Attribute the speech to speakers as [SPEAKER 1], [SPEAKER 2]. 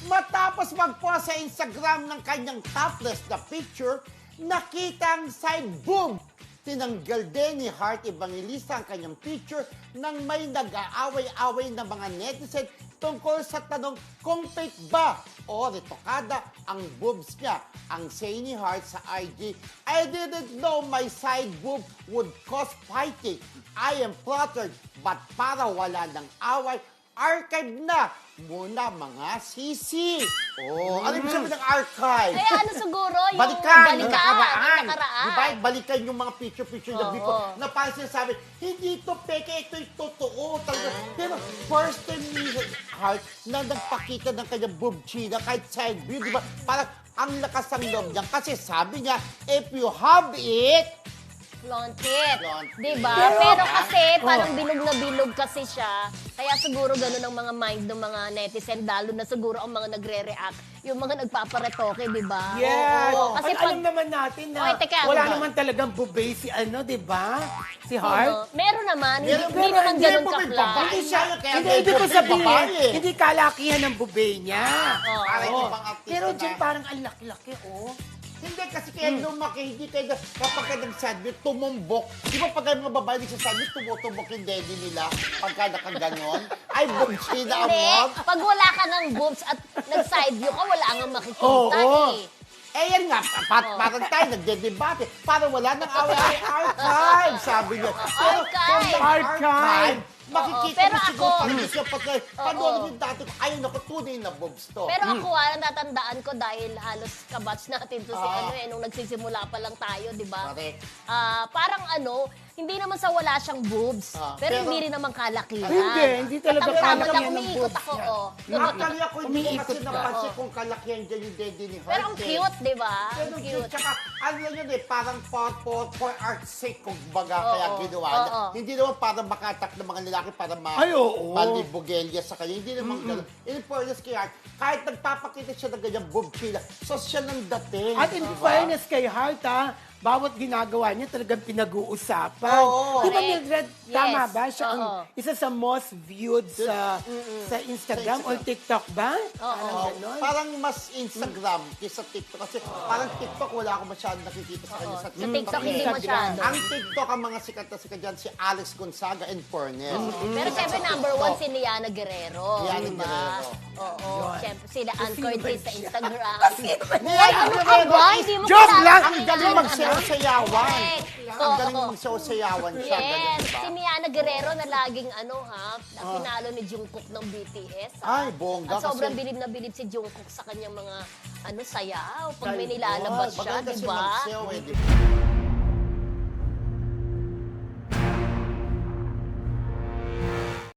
[SPEAKER 1] Matapos mag-post sa Instagram ng kanyang topless na picture, nakitang side boob. Tinanggal din ni Heart Evangelista ang kanyang picture nang may nag-aaway-away na mga netizen tungkol sa tanong kung fake ba o retokada ang boobs niya. Ang say ni Heart sa IG, I didn't know my side boob would cause fighting. I am flattered, but para wala ng away, archive na muna mga sisi. Oh, ano ibig sabihin ng archive?
[SPEAKER 2] Kaya ano siguro, yung
[SPEAKER 1] Balikan,
[SPEAKER 2] yung
[SPEAKER 1] nakaraan.
[SPEAKER 2] nakaraan.
[SPEAKER 1] Diba? Balikan yung mga picture-picture na
[SPEAKER 2] Oo.
[SPEAKER 1] before. Na parang sinasabi, hindi ito peke, ito yung totoo. Talaga. Pero first time ni Heart na nagpakita ng kanyang boob china kahit side view, di ba? Parang ang lakas ng loob niya. Kasi sabi niya, if you have it,
[SPEAKER 2] Flaunt it.
[SPEAKER 1] Flaunt it.
[SPEAKER 2] Diba?
[SPEAKER 1] Pero-
[SPEAKER 2] Pero kasi, parang bilog na bilog kasi siya. Kaya siguro ganun ang mga mind ng mga netizen, lalo na siguro ang mga nagre-react, yung mga nagpaparetoke, diba?
[SPEAKER 3] Yes.
[SPEAKER 2] Oo, kasi
[SPEAKER 3] At alam naman natin na
[SPEAKER 2] Oy, teka,
[SPEAKER 3] wala
[SPEAKER 2] ano ba?
[SPEAKER 3] naman talagang bubay si ano, di ba? Si Heart.
[SPEAKER 2] Meron naman, hindi,
[SPEAKER 1] Meron-
[SPEAKER 2] hindi naman
[SPEAKER 1] hindi
[SPEAKER 2] ganun
[SPEAKER 1] mo may
[SPEAKER 2] kapla.
[SPEAKER 1] babae.
[SPEAKER 3] Hindi siya,
[SPEAKER 1] Kaya
[SPEAKER 3] hindi
[SPEAKER 1] may
[SPEAKER 3] ibig ko
[SPEAKER 1] bubay,
[SPEAKER 3] sabihin,
[SPEAKER 1] babae.
[SPEAKER 3] hindi kalakihan ng bubay niya.
[SPEAKER 2] Oo.
[SPEAKER 1] parang
[SPEAKER 3] Oo.
[SPEAKER 1] ibang artista
[SPEAKER 3] Pero
[SPEAKER 1] na.
[SPEAKER 3] dyan parang ang laki-laki, oh.
[SPEAKER 1] Hindi kasi kaya lumaki, hindi kaya kapag ka nag-sadmit, tumumbok. Di ba pag mga babae nagsasadmit, tumutumbok yung daddy nila pagka nakaganon? Ay, bumsina
[SPEAKER 2] Hindi,
[SPEAKER 1] amot.
[SPEAKER 2] pag wala ka ng boobs at nag-side view ka, wala nga makikita
[SPEAKER 3] Oo.
[SPEAKER 2] eh.
[SPEAKER 1] Eh yan nga, parang tayo nagdedebate. Parang wala nang away archive, sabi niya. Pero kung may
[SPEAKER 3] Archive.
[SPEAKER 1] makikita
[SPEAKER 2] Pero
[SPEAKER 1] mo siguro
[SPEAKER 2] ako-
[SPEAKER 1] parang siya pagka, panoorin yung dati ko, ayun ako, tunay na boobs to.
[SPEAKER 2] Pero ako, natatandaan ko dahil halos kabats natin to si nung nagsisimula pa lang tayo, di ba?
[SPEAKER 1] Correct.
[SPEAKER 2] Parang hindi naman sa wala siyang boobs, pero
[SPEAKER 1] pero-
[SPEAKER 2] hindi rin naman kalakihan.
[SPEAKER 3] Hindi talaga
[SPEAKER 2] Tama
[SPEAKER 3] kalakihan
[SPEAKER 2] lang,
[SPEAKER 3] ng
[SPEAKER 2] umiikot
[SPEAKER 3] boobs
[SPEAKER 2] ako,
[SPEAKER 3] niya.
[SPEAKER 2] oh.
[SPEAKER 1] Actually ako, hindi ko kasi
[SPEAKER 3] Umiikot ka.
[SPEAKER 1] napansin kung kalakihan dyan yung daddy ni Heart.
[SPEAKER 2] Pero ang cute, di ba?
[SPEAKER 1] Pero
[SPEAKER 2] Ang
[SPEAKER 1] cute.
[SPEAKER 2] cute.
[SPEAKER 1] Tsaka, ano yun eh, parang for art's sake, kung baga,
[SPEAKER 2] Oo,
[SPEAKER 1] kaya ginawa niya.
[SPEAKER 2] oo.
[SPEAKER 1] Hindi naman para makatak ng mga lalaki para
[SPEAKER 3] Ay, oo.
[SPEAKER 1] malibugelya sa kanya. Hindi naman gano'n. In fairness kay Art, kahit nagpapakita siya ng ganyang boob chila, so siya ng dating.
[SPEAKER 3] At in
[SPEAKER 1] di ba?
[SPEAKER 3] fairness kay Heart, bawat ginagawa niya talagang pinag-uusapan.
[SPEAKER 1] Oo.
[SPEAKER 3] Di ba,
[SPEAKER 2] Correct.
[SPEAKER 3] Mildred,
[SPEAKER 2] Yes.
[SPEAKER 3] tama ba? Siya ang
[SPEAKER 2] Oo.
[SPEAKER 3] isa sa most viewed sa Instagram
[SPEAKER 1] Sa
[SPEAKER 3] or TikTok ba?
[SPEAKER 2] Oo.
[SPEAKER 3] Parang ganon.
[SPEAKER 1] Parang mas Instagram kaysa TikTok. Kasi parang TikTok, wala akong masyadong nakikita sa kanya. Sa
[SPEAKER 2] Sa TikTok, hindi
[SPEAKER 3] Instagram.
[SPEAKER 2] masyado.
[SPEAKER 1] Ang TikTok, ang mga sikat na sikat dyan, si Alex Gonzaga and Furness.
[SPEAKER 2] Pero syempre, number one, si Liana Guerrero.
[SPEAKER 1] Liana
[SPEAKER 2] diba?
[SPEAKER 1] Guerrero.
[SPEAKER 2] Oo.
[SPEAKER 3] Yun.
[SPEAKER 2] Syempre, sila Ann
[SPEAKER 3] Sino ba
[SPEAKER 2] Curtis sa
[SPEAKER 3] siya?
[SPEAKER 2] Instagram.
[SPEAKER 1] Ay,
[SPEAKER 2] ano ka ba? Hindi mo
[SPEAKER 3] Joke
[SPEAKER 2] kilala
[SPEAKER 3] lang!
[SPEAKER 2] si
[SPEAKER 1] Ang galing
[SPEAKER 2] Liana.
[SPEAKER 1] magsayaw-sayawan.
[SPEAKER 2] Correct.
[SPEAKER 1] Ang galing
[SPEAKER 2] Oo.
[SPEAKER 1] magsayaw-sayawan siya. Galing,
[SPEAKER 2] Yes,
[SPEAKER 1] diba?
[SPEAKER 2] si Liana Guerrero na laging na pinalo ni Jungkook ng BTS.
[SPEAKER 1] Ay, bongga.
[SPEAKER 2] At sobrang
[SPEAKER 1] kasi
[SPEAKER 2] bilib na bilib si Jungkook sa kanyang mga sayaw. Pag may
[SPEAKER 3] Ay,
[SPEAKER 2] nilalabas siya,
[SPEAKER 1] maganda
[SPEAKER 2] di
[SPEAKER 1] si
[SPEAKER 2] ba?
[SPEAKER 1] magsayaw eh, di ba?